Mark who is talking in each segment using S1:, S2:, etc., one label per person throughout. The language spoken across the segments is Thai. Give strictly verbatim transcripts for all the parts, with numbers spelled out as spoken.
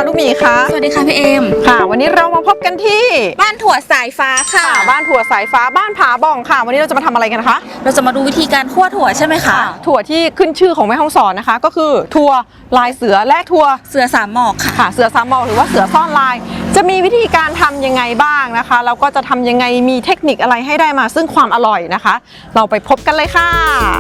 S1: ลูกหมีคะ
S2: สวัสดีค่ะพี่เอม
S1: ค่ะวันนี้เรามาพบกันที่
S2: บ้านถั่วสายฟ้าค่ะ
S1: บ้านถั่วสายฟ้าบ้านผาบ่องค่ะวันนี้เราจะมาทำอะไรกันนะคะ
S2: เราจะมาดูวิธีการคั่วถั่วใช่ไหมคะ
S1: ถั่วที่ขึ้นชื่อของแม่ฮ่องสอนนะคะก็คือถั่วลายเสือและถั่ว
S2: เสือสามหมอกค่ะ
S1: ค่ะเสือสามหมอกหรือว่าเสือซ่อนลายจะมีวิธีการทำยังไงบ้างนะคะแล้วก็จะทำยังไงมีเทคนิคอะไรให้ได้มาซึ่งความอร่อยนะคะเราไปพบกันเลยค่ะ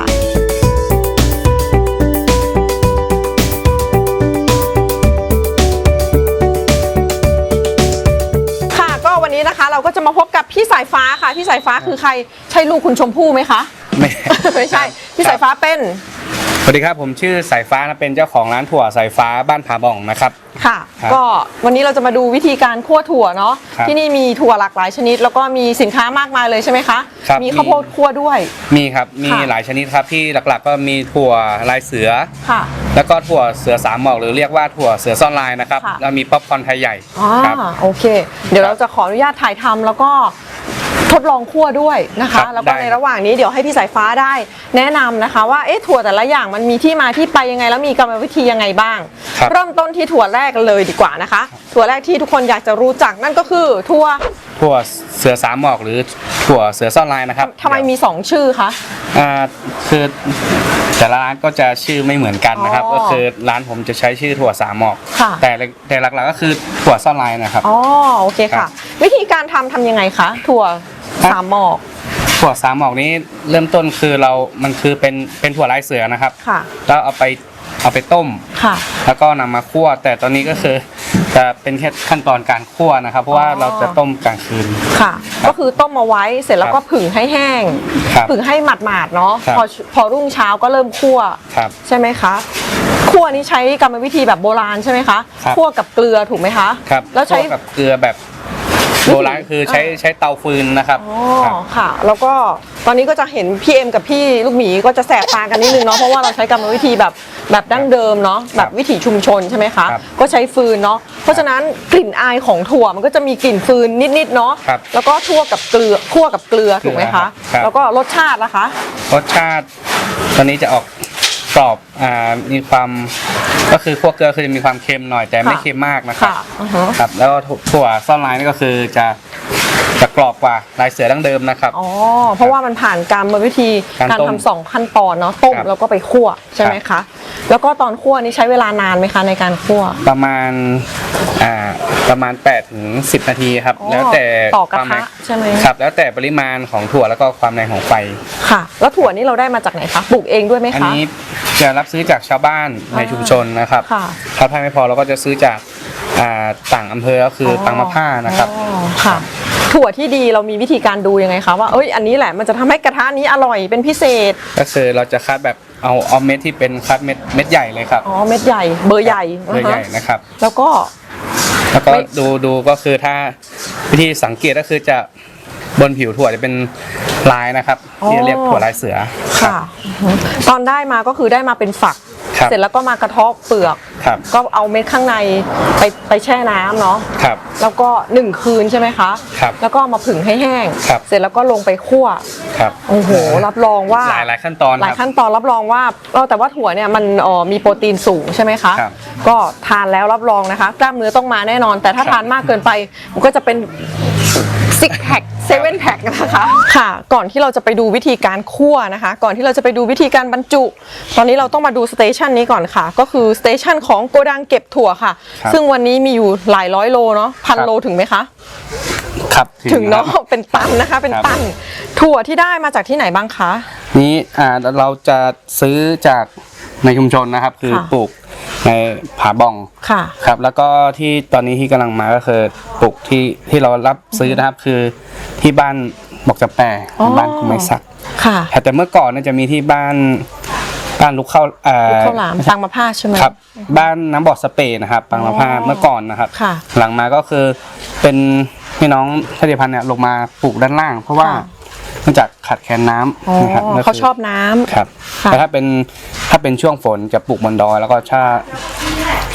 S1: วันนี้นะคะเราก็จะมาพบกับพี่สายฟ้าค่ะพี่สายฟ้าคือใครใช่ลูกคุณชมพู่ไหมคะ
S3: ไม่
S1: ไม่ใช่พี่สายฟ้าเป็น
S3: สวัสดีครับผมชื่อสายฟ้านะเป็นเจ้าของร้านถั่วสายฟ้าบ้านผาบ่องนะครับ
S1: ค่ะก็วันนี้เราจะมาดูวิธีการคั่วถั่วเนาะที่นี่มีถั่วหลากหลายชนิดแล้วก็มีสินค้ามากมายเลยใช่ไหมคะมีข้าวโพดคั่วด้วย
S3: มีครับมีหลายชนิดครับที่หลักๆก็มีถั่วลายเสือ
S1: ค่ะ
S3: แล้วก็ถั่วเสือสามหมอกหรือเรียกว่าถั่วเสือซ่อนลายนะครับแล้วมีป๊อปคอร์นไทยใหญ่
S1: ครับโอเคเดี๋ยวเราจะขออนุญาตถ่ายทำแล้วก็ทดลองคั่วด้วยนะคะแล้วก็ในระหว่างนี้เดี๋ยวให้พี่สายฟ้าได้แนะนำนะคะว่าเอ๊ะถั่วแต่ละอย่างมันมีที่มาที่ไปยังไงแล้วมีกรรมวิธียังไงบ้างเริ่มต้นที่ถั่วแรกเลยดีกว่านะคะถั่วแรกที่ทุกคนอยากจะรู้จักนั่นก็คือถั่ว
S3: ถั่วเสือสามหมอกหรือถั่วเสือซ่อนลายนะครับ
S1: ทำไมมีสองชื่อคะ
S3: อ่าคือแต่ละร้านก็จะชื่อไม่เหมือนกันนะครับก็คือร้านผมจะใช้ชื่อถั่วสามหมอกแต่แต่หลักๆก็คือถั่วซ่อนลายนะครับ
S1: อ๋อโอเคค่ะวิธีการทำทำยังไงคะถั่วสามหมอก
S3: ถั่วสามหมอกนี้เริ่มต้นคือเรา มันคือเป็นเป็นถั่วลายเสือนะครับ
S1: ค่ะ
S3: แล้วเอาไปเอาไปต้ม
S1: ค่ะ
S3: แล้วก็นำมาคั่วแต่ตอนนี้ก็คือจะเป็นแค่ขั้นตอนการคั่วนะครับเพราะว่าเราจะต้มกลางคืน
S1: ค่ะก็คือต้มมาไว้เสร็จแล้วก็ผึ่งให้แห้งผึ่งให้หมาดๆเนาะพอพอรุ่งเช้าก็เริ่มคั่วใช่ไหมคะคั่วนี้ใช้กรรมวิธีแบบโบราณใช่ไหมคะคั่วกับเกลือถูกไหมคะ
S3: ครับ
S1: แล้วใช้
S3: กับเกลือแบบโบราณคือใช้ใช้เตาฟืนนะครับ
S1: อ๋อค่ะแล้วก็ตอนนี้ก็จะเห็นพี่เอ็มกับพี่ลูกหมีก็จะแสบตากันนิดนึงเนาะเพราะว่าเราใช้กรรมวิธีแบบแบบดั้งเดิมเนาะแบบวิถีชุมชนใช่ไหมคะก็ใช้ฟืนเนาะเพราะฉะนั้นกลิ่นอายของถั่วมันก็จะมีกลิ่นฟืนนิดๆเนาะแล้วก็ทั่วกับเกลือคั่วกับเกลือถูกไหมคะแล้วก็รสชาตินะคะ
S3: รสชาติตอนนี้จะออกกรอบอ่ามีความก็คือคั่วเกลือคือจะมีความเค็มหน่อยแต่ไม่เค็มมากนะครับครับแล้วก็ถั่วซ่อนลายนี่ก็คือจะจะกรอบกว่าลายเสือดั้งเดิมนะครับ
S1: อ๋อเพราะว่ามันผ่านกรรมวิธีการทำสองขั้นตอนเนาะต้มแล้วก็ไปคั่วใช่ไหมคะแล้วก็ตอนคั่วนี่ใช้เวลานานไหมคะในการคั่ว
S3: ประมาณอ่าประมาณแปดถึงสิบนาทีครับแล้วแต่
S1: ต่อกระทะใช่ไหม
S3: ครับแล้วแต่ปริมาณของถั่วแล้วก็ความแรงของไฟ
S1: ค่ะแล้วถั่วนี่เราได้มาจากไหนคะปลูกเองด้วยไหมคะ
S3: อันนี้จะรับซื้อจากชาวบ้านในชุมชนนะครับถ้าไม่พอเราก็จะซื้อจากต่างอำเภอก็คือต่างมะพร้าวนะครับ
S1: ค่ะถั่วที่ดีเรามีวิธีการดูยังไงคะว่าเอ้ยอันนี้แหละมันจะทำให้กระทะนี้อร่อยเป็นพิเศษ
S3: ก็คือเราจะคัดแบบเอาเอาเม็ดที่เป็นคัดเม็ดเม็ดใหญ่เลยครับ
S1: อ๋อเม็ดใหญ่เบอร์ใหญ่
S3: เบอร์ใหญ่นะครับ
S1: แล้วก็
S3: แล้วก็ดูดูก็คือถ้าวิธีสังเกตก็คือจะบนผิวถั่วจะเป็นลายนะครับที่เรียกถั่วลายเสือ
S1: ค่ะตอนได้มาก็คือได้มาเป็นฝักเสร็จแล้วก็มากระเทาะเปลือกก็เอาเม็ดข้างในไปไปแช่น้ำเนาะแล้วก็หนึ่งคืนใช่ไหมคะแล้วก็มาผึ่งให้แห้งเสร็จแล้วก็ลงไปคั่วโอ้โหรับรองว่า
S3: หลายหลายขั้นตอน
S1: หลายขั้นตอนรับรองว่าแต่ว่าถั่วเนี่ยมันมีโปรตีนสูงใช่ไหมคะก็ทานแล้วรับรองนะคะกล้ามเนื้อต้องมาแน่นอนแต่ถ้าทานมากเกินไปมันก็จะเป็นซิกแพคเซเว่นแพคนะคะค่ะก่อนที่เราจะไปดูวิธีการคั่วนะคะก่อนที่เราจะไปดูวิธีการบรรจุตอนนี้เราต้องมาดูสเตชันนี้ก่อนค่ะก็คือสเตชันของโกดังเก็บถั่วค่ะซึ่งวันนี้มีอยู่หลายร้อยโลเนาะพันโลถึงไหมคะ
S3: ครับ
S1: ถึงเนาะเป็นตันนะคะเป็นตันถั่วที่ได้มาจากที่ไหนบ้างคะ
S3: นี้อ่าเราจะซื้อจากในชุมชนนะครับคือปลูกในผาบ่อง
S1: ค่ะ
S3: ครับแล้วก็ที่ตอนนี้ที่กำลังมาก็คือปลูกที่ที่เรารับซื้อนะครับคือที่บ้านบอกจะแปรบ้านคุณไม้สัก
S1: ค่ะ
S3: แต่เมื่อก่อนน่าจะมีที่บ้านบ้านลูกเข้าอ่า
S1: ข้าวหลามปังมะพร้าวใช่ไหม
S3: ครับบ้านน้ำบ่อสเปรย์นะครับปังมะพร้าวเมื่อก่อนนะครับหลังมาก็คือเป็นพี่น้องชาติพันธุ์เนี่ยลงมาปลูกด้านล่างเพราะว่าเนื่องจากขาดแคลนน้ำ
S1: นะครับเขาชอบน้ำ
S3: ครับแต่ถ้าเป็นถ้าเป็นช่วงฝนจะปลูกบนดอยแล้วก็ถ้า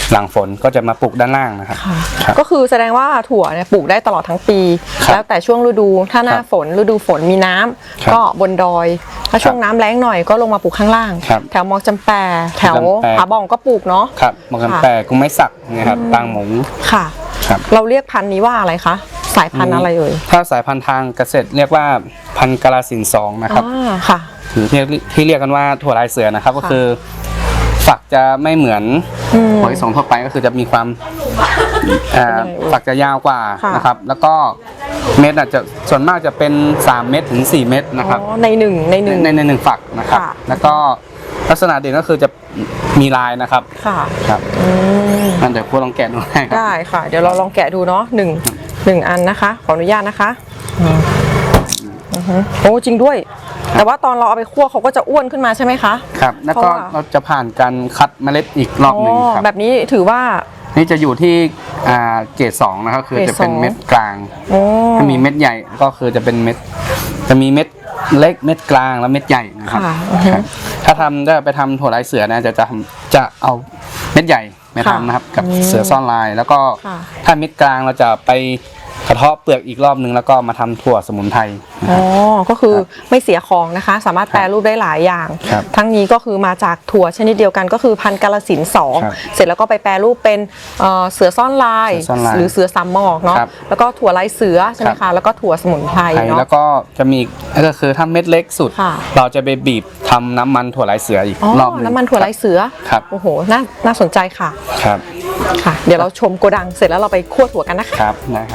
S3: หลังฝนก็จะมาปลูกด้านล่างนะครับ
S1: ค่ะ
S3: ครับ
S1: ก็คือแสดงว่าถั่วเนี่ยปลูกได้ตลอดทั้งปี
S3: ครับ
S1: แล้วแต่ช่วงฤดูถ้าหน้า
S3: ครับ
S1: ฝนฤดูฝนมีน้ำ
S3: ครับ
S1: ก็บนดอย ถ้าช่วงน้ำแล้งหน่อยก็ลงมาปลูกข้างล่าง
S3: ครับ
S1: แถวมอกจำแปแถว
S3: จำแป
S1: ผาบ่องก็ปลูกเนาะ
S3: ครับมะกัน
S1: ค่ะ
S3: แปรกุ้งไม้สักนะครับปางหมู
S1: ค่ะ
S3: ครับ
S1: เราเรียกพันธุ์นี้ว่าอะไรคะสายพันธุ์อะไรเอ่ย
S3: ถ้าสายพันธุ์ทางเกษตรเรียกว่าพันธุ์กาลสินธุ์สองนะครับ
S1: อ่าค่ะ
S3: หรือที่ที่เรียกกันว่าถั่วลายเสือนะครับ ก็คือฝักจะไม่เหมือน
S1: อืม
S3: ถั่วลิสงทั่วไปก็คือจะมีความอ่า
S1: เป็นยังไงเอ่ย
S3: ฝักจะยาวกว่า
S1: ค่ะ
S3: นะครับ แล้วก็เม็ดอาจจะส่วนมากจะเป็นสามเม็ดถึงสี่เม็ดนะครับ
S1: อ๋อในหนึ่งในหนึ่ง
S3: ในในหนึ่งฝักนะครับ
S1: ค่ะ
S3: แล้วก็ลักษณะเด่นก็คือจะมีลายนะครับ
S1: ค่ะ
S3: ครับ
S1: อืม
S3: นั่นเดี๋ยวพูดลองแกะดูให้ครับ
S1: ได้ค่ะ เดี๋ยวเราลองแกะดูเนาะหนึ่งหนึ่งอันนะคะ ขออนุญาตนะคะอืมอือฮึโอ้จริงด้วย แต่ว่าตอนเราเอาไปคั่วเขาก็จะอ้วนขึ้นมาใช่ไหมคะ
S3: ครับ แล้วก็
S1: เพราะว่า
S3: เราจะผ่านการคัดเมล็ดอีกรอบหนึ่งครับ
S1: แบบนี้ถือว่า
S3: นี่จะอยู่ที่อ่าเกรดสองนะครับคือ
S1: เกรด
S3: จะเป็น
S1: สอง
S3: เม็ดกลาง
S1: โอ้
S3: ถ้ามีเม็ดใหญ่ก็คือจะเป็นเม็ดจะมีเม็ดเล็กเม็ดกลางและเม็ดใหญ่นะครับ
S1: ค่ะอือฮึ
S3: ครับถ้าทำได้ไปทำถั่วลายเสือนะจะจะทำจะเอาเม็ดใหญ่มา
S1: ค่ะ
S3: ทำนะครับ กับ
S1: อืม
S3: เสือซ่อนลาย แล้วก็
S1: ค่ะ
S3: ถ้าเม็ดกลางเราจะไปกระเทาะเปลือกอีกรอบนึงแล้วก็มาทำถั่วสมุนไพรนะค
S1: อ๋
S3: รั
S1: อบ ก็คือไม่เสียของนะคะ สามารถแปรรูปได้หลายอย่าง
S3: ครับ
S1: ทั้งนี้ก็คือมาจากถั่วชนิดเดียวกันก็คือพันธุ์กาลสินธุ์สอง
S3: ครับ
S1: เสร็จแล้วก็ไปแปรรูปเป็นเอ่อเสือซ่อนลาย
S3: เสือซ่อนลาย
S1: หรือเสือสามหมอกเนาะ
S3: ครับ
S1: แล้วก็ถั่วลายเสือใช่ไหม
S3: ครั
S1: คะ
S3: บ
S1: แล้วก็ถั่วสมุนไพร
S3: ไทย
S1: เนาะ
S3: แล้วก็จะมีอีกก็คือถ้าเม็ดเล็กสุด
S1: ค่ะ
S3: เราจะไปบีบทำน้ำมันถั่วลายเสืออีก
S1: อ๋อ
S3: รอบนึง
S1: น้ำมันถั่วลายเสือ
S3: ครับ
S1: โอ้โหน่าน่าสนใจค่ะ
S3: ครับ
S1: ค่ะ เดี๋ยวเราชมโกดังเสร็จแล้วเราไปคั่วถั่วกันนะคะ
S3: ครับนะครับ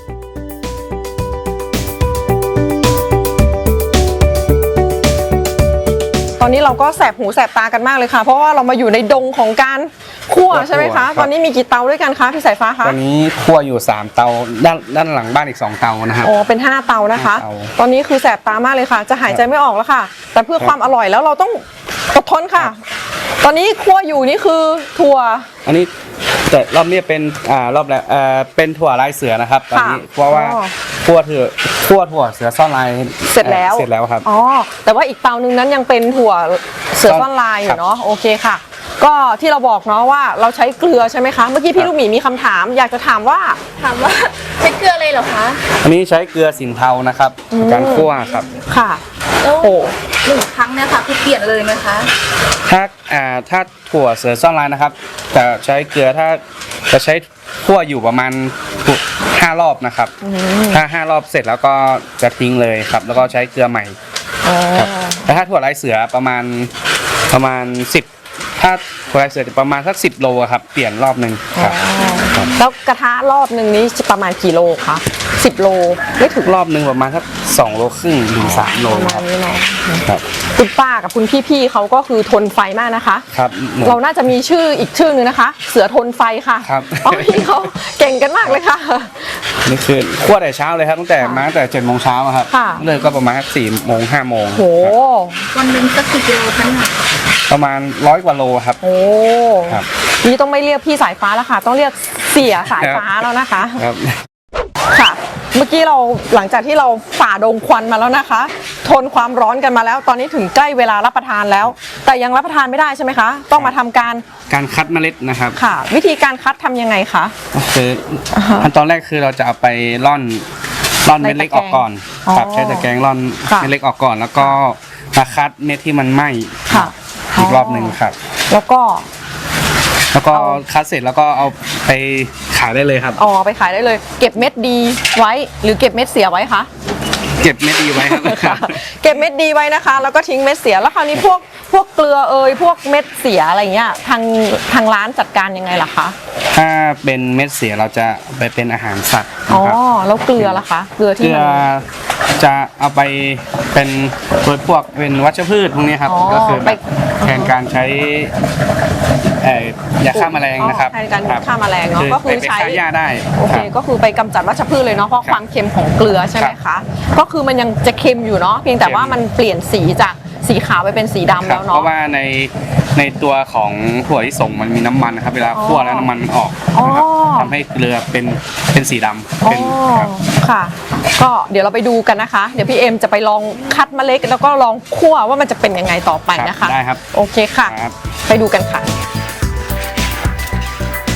S1: ตอนนี้เราก็แสบหูแสบตากันมากเลยค่ะ เพราะว่าเรามาอยู่ในดงของการคั่ว
S3: คั่ว
S1: ใช่ไหม
S3: ครั
S1: คะ
S3: บ
S1: ตอนนี้มีกี่เตาด้วยกันคะพี่สายฟ้าคะ
S3: ตอนนี้คั่วอยู่สามเตาด้านด้านหลังบ้านอีกสองเตานะครับ
S1: อ๋อเป็นห้าเตานะคะ
S3: ห้าเตา
S1: ตอนนี้คือแสบตามากเลยค่ะ จะหายใจไม่ออกแล้วค่ะ แต่เพื่อความอร่อยแล้วเราต้องอดทนค่ะ ตอนนี้คั่วอยู่นี่คือถั่ว
S3: อันนี้แต่รอบนี้เป็นอ่ารอบแล้วเอ่อเป็นถั่วลายเสือนะครับตอนนี้
S1: ค่ะ
S3: เพราะว่า
S1: อ๋อ
S3: คั่วถั่วคั่วถั่วเสือซ่อนลาย
S1: เสร็จแล้ว
S3: เสร็จแล้วครับ
S1: อ๋อแต่ว่าอีกเตานึงนั้นยังเป็นถั่วเสือซ่อนลายอ
S3: ครั
S1: ยู่
S3: บ
S1: เนาะโอเคค่ะ ก็ที่เราบอกเนาะว่าเราใช้เกลือใช่ไหมคะเมื่อกี้พี่ลูกหมีมีคำถาม อยากจะถามว่า
S2: ถามว่าใช้เกลือเลยเหรอคะ
S3: อันนี้ใช้เกลือสินเทานะครับในการคั่วครับ
S1: ค่ะ
S2: โอ้
S1: โอ้
S2: หนึ่งครั้งเนี่ยค่ะคือเปลี่ยนเลยไหมคะ
S3: ถ้าอ่าถ้าถั่วเสือซ่อนลายนะครับจะใช้เกลือถ้าจะใช้คั่วอยู่ประมาณห้ารอบนะครับ ถ้าห้ารอบเสร็จแล้วก็จะทิ้งเลยครับ แล้วก็ใช้เกลือใหม่
S1: อ๋อ
S3: ครับแต่ถ้าถั่วลายเสือประมาณประมาณสิบถ้าถั่วลายเสือจะประมาณสักสิบโลอะครับเปลี่ยนรอบหนึ่งครับครับ
S1: แล้วกระทะรอบหนึ่งนี้จะประมาณกี่โลคะสิบโลไม่ถึง
S3: รอบหนึ่งประมาณสักสองโลครึ่งถึงสามโล
S1: ประมา
S3: ค
S1: ณ
S3: รับ
S1: นี้เนาะ
S3: ครับ
S1: คุณป้ากับคุณพี่ๆเขาก็คือทนไฟมากนะคะ
S3: ครับ
S1: เราน่าจะมีชื่ออีกชื่อนึงนะคะ เสือทนไฟค่ะ
S3: ครับ
S1: อ๋อพี่เขาเก่งกันมากเลยค่ะ
S3: นี่คือคั่วแต่เช้าเลยครับตั้งแต่มาตั้งแต่เจ็ดโมงเช้าอะครับ
S1: ค่ะ
S3: เลิกก็ประมาณสักสี่โมงห้าโมง
S1: โห
S2: วันหนึ่งสักกี่กิโลคะเนี่ย
S3: ประมาณร้อยกว่าโลครับ
S1: โอ้
S3: ครับ
S1: นี่ต้องไม่เรียกพี่สายฟ้าแล้วค่ะ ต้องเรียกเสียสายฟ้าแล้วนะคะ
S3: ครับ
S1: ค่ะ เมื่อกี้เราหลังจากที่เราฝ่าดงควันมาแล้วนะคะ ทนความร้อนกันมาแล้ว ตอนนี้ถึงใกล้เวลารับประทานแล้ว แต่ยังรับประทานไม่ได้ใช่ไหมคะ ต้องมาทำการ
S3: การคัดเมล็ดนะครับ
S1: ค่ะ วิธีการคัดทำยังไงคะ
S3: ก็คือขั้นตอนแรกคือเราจะเอาไปร่อนร่อนเม็ดเล็กออกก่อน
S1: อ๋อ
S3: ครับใช้ตะแกรงร่อน
S1: ค่ะ
S3: เม็ดเล็กออกก่อน แล้วก็มาคัดเม็ดที่มันไหม้
S1: ค่ะ
S3: อีกรอบหนึ่งครับ
S1: แล้วก็
S3: แล้วก็คัดเสร็จแล้วก็เอาไปขายได้เลยครับ
S1: อ๋อไปขายได้เลย เก็บเม็ดดีไว้หรือเก็บเม็ดเสียไว้คะ
S3: เก็บเม็ดดีไว้ครับ
S1: ค่ะเก็บเม็ดดีไว้นะคะ แล้วก็ทิ้งเม็ดเสียแล้วคราวนี้พวกพวกเกลือเอยพวกเม็ดเสียอะไรเงี้ยทางทางร้านจัดการยังไงล่ะคะ
S3: ถ้าเป็นเม็ดเสียเราจะไปเป็นอาหารสัตว์
S1: อ๋อ
S3: นะครับ
S1: แล้วเกลือล่ะคะ เกลือ
S3: เก
S1: ที่
S3: ลือ
S1: มัน
S3: จะเอาไปเป็นโดยพวกเป็นวัชพืชพวกนี้ครับ
S1: อ๋อ
S3: ก็คือ
S1: ไป
S3: แบบแทนการใช้เอ่อยาฆ่าแมลงนะครับ
S1: อ๋อแทนการ
S3: ครับ
S1: ฆ่าแมลงเนาะก็คือ
S3: ไปไป
S1: ใช้
S3: ฆ่าหญ้าได้
S1: โอเค
S3: ครับ
S1: ก็คือไปกำจัดวัชพืชเลยเนาะเพราะ
S3: ครับ
S1: ความเค็มของเกลือใช่ไหม
S3: ครั
S1: คะ
S3: บ
S1: ก็คือมันยังจะเค็มอยู่เนาะเพียงแต่
S3: เค็ม
S1: ว่ามันเปลี่ยนสีจากสีขาวไปเป็นสีดำ
S3: ครั
S1: แล้
S3: บ
S1: ว
S3: เพ
S1: เนาะ
S3: ราะว่าในในตัวของถั่วที่ส่งมันมีน้ำมันนะครับ เวลาคั่วแล้วน้ำมันมันออกนะครับ
S1: อ๋อ
S3: ทำให้เกลือเป็นเป็นสีดำ
S1: อ๋อ
S3: เป็นครับ
S1: ค่ะ ก็เดี๋ยวเราไปดูกันนะคะ เดี๋ยวพี่เอ็มจะไปลองคัดเมล็ดแล้วก็ลองคั่วว่ามันจะเป็นยังไงต่อไปนะคะ
S3: ได้ครับ
S1: โอเคค่ะ
S3: ครับ
S1: ไปดูกันค่ะ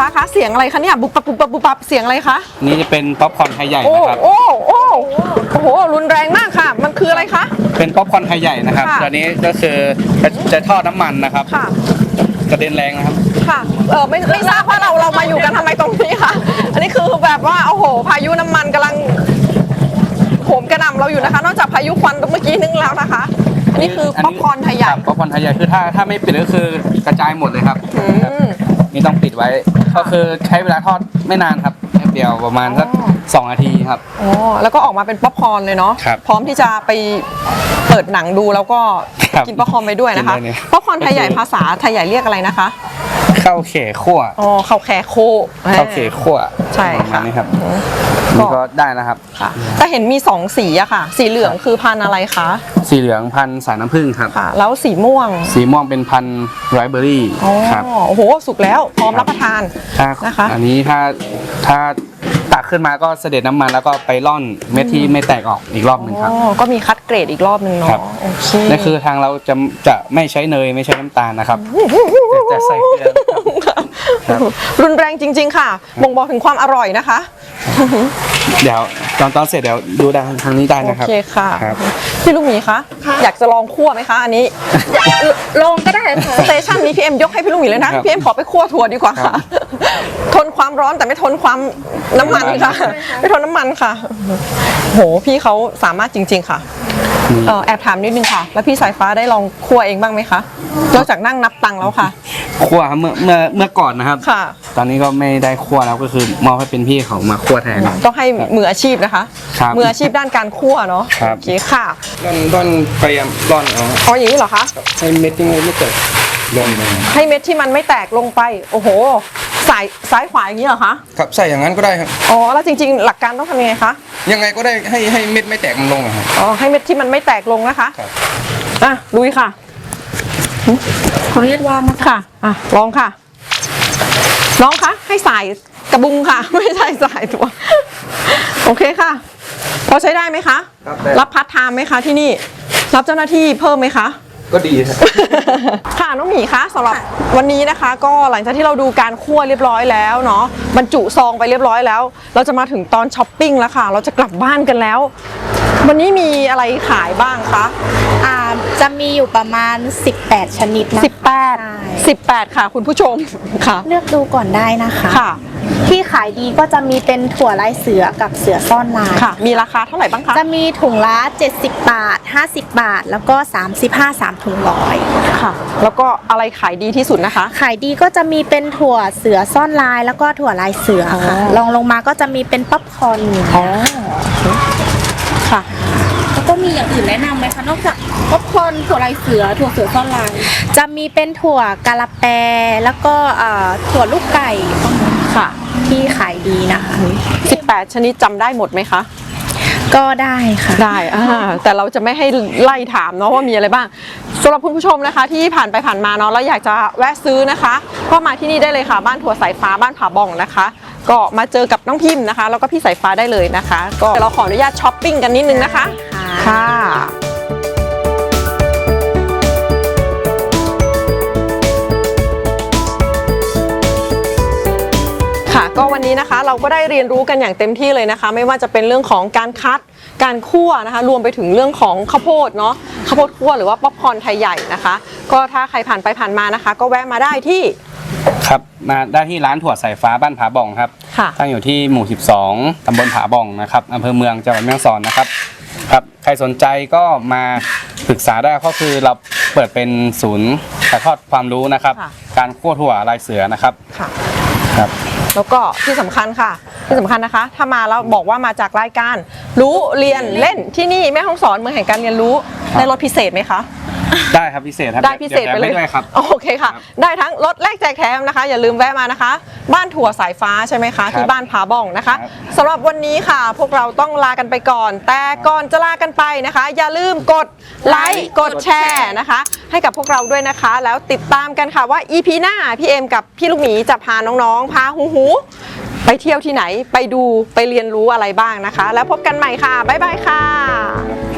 S1: คะเสียงอะไรคะเนี่ยบุบปับบุบปับบุบปับเสียงอะไรคะ
S3: นี่จะเป็นป๊อปคอร์นไทยใหญ่
S1: โอ้
S3: นะครับ
S1: โอ้โอ้โอ้โหรุนแรงมากค่ะ มันคืออะไรคะ
S3: เป็นป๊อปคอร์นไทยใหญ่นะครับ
S1: ค่ะ
S3: ตัวนี้ก็คือจะจะทอดน้ำมันนะครับ
S1: ค่ะ
S3: กระเด็นแรงนะครับ
S1: ค่ะเออไม่ไม่ทราบว่าเราเรามาอยู่กันทำไมตรงนี้ค่ะ อันนี้คือแบบว่าโอ้โหพายุน้ำมันกำลังโหมกระหน่ำเราอยู่นะคะ นอกจากพายุควันเมื่อกี้นึงแล้วนะคะ อันนี้คือป๊อปคอร์นไทยใหญ่
S3: ป๊อปคอร์นไทยใหญ่คือถ้าถ้าไม่ปิดก็คือกระจายหมดเลยครับ
S1: อืม
S3: นี่ต้องปิดไว้ ก็คือใช้เวลาทอดไม่นานครับแป๊บเดียวประมาณสัก
S1: อ๋อ
S3: สองนาทีครับ
S1: อ๋อแล้วก็ออกมาเป็นป๊อปคอร์นเลยเนาะ
S3: ครับ
S1: พร้อมที่จะไปเปิดหนังดูแล้วก็
S3: ครับ
S1: กินป๊อปคอร์นไปด้วยนะคะ
S3: กินได้เลย
S1: ป๊อปคอร์นไทยใหญ่ภาษาไทยใหญ่เรียกอะไรนะคะ
S3: ข้าวเขคั่ว
S1: อ๋อข้าวแคโค
S3: ข้าวเขคั่ว
S1: ใช่ค่ะ
S3: ประมาณนี้ครับ
S1: อืม
S3: นี่ก็ได้แล้วครับ
S1: ค่ะแต่เห็นมีสองสีอะค่ะ สีเหลืองคือพันธุ์อะไรคะ
S3: สีเหลืองพันธุ์สายน้ำผึ้งครับ
S1: ค่ะ แล้วสีม่วง
S3: สีม่วงเป็นพันธุ์ไรเบอรี่
S1: อ๋อ
S3: ครับ
S1: โอ้โหสุกแล้วพร้อมรับประทาน
S3: ถ้า
S1: นะคะ
S3: อันนี้ถ้าถ้าตักขึ้นมาก็เสด็จน้ำมันแล้วก็ไปร่อนเม็ดที่ไม่แตกออกอีกรอบหนึ่งครับ
S1: อ๋อก็มีคัดเกรดอีกรอบหนึ่ง
S3: ครั
S1: เนาะ
S3: บ
S1: โอเค
S3: นั่นคือทางเราจะจะไม่ใช้เนยไม่ใช้น้ำตาลนะครับแต่จะใส่เกลือครับ
S1: รุนแรงจริง ๆ ค่ะบ่งบอกถึงความอร่อยนะคะ
S3: เดี๋ยวตอนตอนเสร็จเดี๋ยวดูด้านทางนี้ได้
S1: โอ
S3: นะครับ
S1: เคค่ะ
S3: ครับ
S1: พี่ลูกหมีคะอยากจะลองคั่วไหมคะ อันนี้
S2: ลงก็ได้ค่ะ
S1: สเตชันนี้พี่เอ็มยกให้พี่ลูกหมีเลยนะครับ พี่เอ็มขอไปคั่วถั่วดีกว่า
S3: ครั
S1: ค่ะ
S3: บ
S1: ทนความร้อนแต่ไม่ทนความน้ำมันค่ะ ไม่ทนน้ำมันค่ะ โหพี่เขาสามารถจริง ๆ ค่ะเอ่อแอบถามนิดนึงค่ะ แล้วพี่สายฟ้าได้ลองคั่วเองบ้างไหมคะนอกจากนั่งนับตังค์แล้วค่ะ
S3: คั่วครับเมื่อเมื่อเมื่อก่อนนะครับ
S1: ค่ะ
S3: ตอนนี้ก็ไม่ได้คั่วแล้วก็คือมอบให้เป็นพี่เขามาคั่วแทน
S1: ต้องให้มืออาชีพนะคะ
S3: ครับ
S1: มืออาชีพด้านการคั่วเนาะ
S3: ครับ
S1: โอเคค่ะ
S3: ร่อนร่อนพยายามร่อนเอา
S1: อ๋ออย่างนี้เหรอคะ
S3: ให้เม็ดที่ไม่เกิดลงมา
S1: ให้เม็ดที่มันไม่แตกลงไป โอ้โห สายซ้ายขวาอย่างนี้เหรอคะ
S4: ครับใส่อย่างนั้นก็ได้ครับ
S1: อ๋อ แล้วจริงๆ หลักการต้องทำยังไงคะ
S4: ยังไงก็ได้ให้ให้เม็ดไม่แตกมันลงอะครับ
S1: อ๋อ ให้เม็ดที่มันไม่แตกลงนะคะ
S4: ครับ
S1: อ่ะลุยค่ะ
S2: ขออนุญาตวางนะคะ
S1: ค่ะ อ่ะ ลองค่ะ น้องคะ ให้สายกระบุงค่ะ ไม่ใช่สายตัว โอเคค่ะ พอใช้ได้ไหมคะ
S4: ครับได้
S1: รับพาร์ทไทม์ไหมคะที่นี่ รับเจ้าหน้าที่เพิ่มไหมคะ
S4: ก็ดีครับ
S1: ค่ะน้องหมีคะสำหรับวันนี้นะคะ ก็หลังจากที่เราดูการคั่วเรียบร้อยแล้วเนาะบรรจุซองไปเรียบร้อยแล้ว เราจะมาถึงตอนช้อปปิ้งแล้วค่ะ เราจะกลับบ้านกันแล้ว วันนี้มีอะไรขายบ้างคะ
S2: อ่าจะมีอยู่ประมาณ สิบแปด ชนิดนะ
S1: สิบแปด
S2: ใช่
S1: สิบแปดค่ะ คุณผู้ชมค่ะ
S2: เลือกดูก่อนได้นะคะ
S1: ค่ะ
S2: ที่ขายดีก็จะมีเป็นถั่วลายเสือกับเสือซ่อนลาย
S1: ค่ะ มีราคาเท่าไหร่บ้างคะ
S2: จะมีถุงละเจ็ดสิบบาท ห้าสิบบาท แล้วก็สามสิบห้า สามถุงร้อย
S1: ค่ะ แล้วก็อะไรขายดีที่สุดนะคะ
S2: ขายดีก็จะมีเป็นถั่วเสือซ่อนลาย แล้วก็ถั่วลายเสือค่ะ
S1: อ๋อ
S2: ลองลงมาก็จะมีเป็นป๊อปคอร์น
S1: อ๋อค่ะ
S2: แล้วก็มีอย่างอื่นแนะนำไหมคะนอกจากป๊อปคอร์นถั่วลายเสือถั่วเสือซ่อนลาย จะมีเป็นถั่วกะละแปแล้วก็เอ่อถั่วลูกไก่พวกนี้
S1: ค่ะ
S2: ที่ขายดีนะคะ
S1: สิบแปดชนิดจำได้หมดไหมคะ
S2: ก็ได้ค่ะ
S1: ได้อ่าแต่เราจะไม่ให้ไล่ถามเนาะว่ามีอะไรบ้างสำหรับคุณผู้ชมนะคะ ที่ผ่านไปผ่านมาเนาะแล้วอยากจะแวะซื้อนะคะ ก็มาที่นี่ได้เลยค่ะ บ้านถั่วสายฟ้าบ้านผาบ่องนะคะ ก็มาเจอกับน้องพิมพ์นะคะ แล้วก็พี่สายฟ้าได้เลยนะคะ ก็เราขออนุญาตช้อปปิ้งกันนิดนึงนะคะ
S2: ค่ะ
S1: ค่ะค่ะก็วันนี้นะคะเราก็ได้เรียนรู้กันอย่างเต็มที่เลยนะคะ ไม่ว่าจะเป็นเรื่องของการคัดการคั่วนะคะ รวมไปถึงเรื่องของข้าวโพดเนาะข้าวโพดคั่วหรือว่าป๊อปคอร์นไทยใหญ่นะคะ ก็ถ้าใครผ่านไปผ่านมานะคะ ก็แวะมาได้ที่
S3: ครับมาได้ที่ร้านถั่วสายฟ้าบ้านผาบ่องครับ
S1: ค่ะ
S3: ตั้งอยู่ที่หมู่สิบสองตำบลผาบ่องนะครับอำเภอเมืองจังหวัดแม่ฮ่องสอนนะครับครับใครสนใจก็มาปรึกษาได้ก็คือเราเปิดเป็นศูนย์ถ่ายทอดความรู้นะครับ
S1: ค่ะ
S3: การคั่วถั่วลายเสือนะครับ
S1: ค่ะ
S3: ครับ
S1: แล้วก็ที่สำคัญค่ะที่สำคัญนะคะ ถ้ามาแล้วบอกว่ามาจากรายการ รู้เรียนเล่นที่นี่แม่ฮ่องสอนเมืองแห่งการเรียนรู้ได้ลดพิเศษไหมคะ
S3: ได้ครับพิเศษครับ
S1: ได้พิเศษไปเลย
S3: ดี๋วแถมให้ด้วยครับ
S1: โอเคค่ะ ได้ทั้งรถแลกแจกแถมนะคะ อย่าลืมแวะมานะคะ บ้านถั่วสายฟ้าใช่ไหมคะ ที่บ้านผาบ่องนะคะ
S3: ครับ
S1: สำหรับวันนี้ค่ะ พวกเราต้องลากันไปก่อน แต่ก่อนจะลากันไปนะคะ อย่าลืมกดไลค์กดแชร์นะคะ ให้กับพวกเราด้วยนะคะ แล้วติดตามกันค่ะว่า อี พี หน้าพี่เอ็มกับพี่ลูกหมีจะพาน้องๆพาหูหูไปเที่ยวที่ไหนไปดูไปเรียนรู้อะไรบ้างนะคะ แล้วพบกันใหม่ค่ะบ๊ายบายค่ะ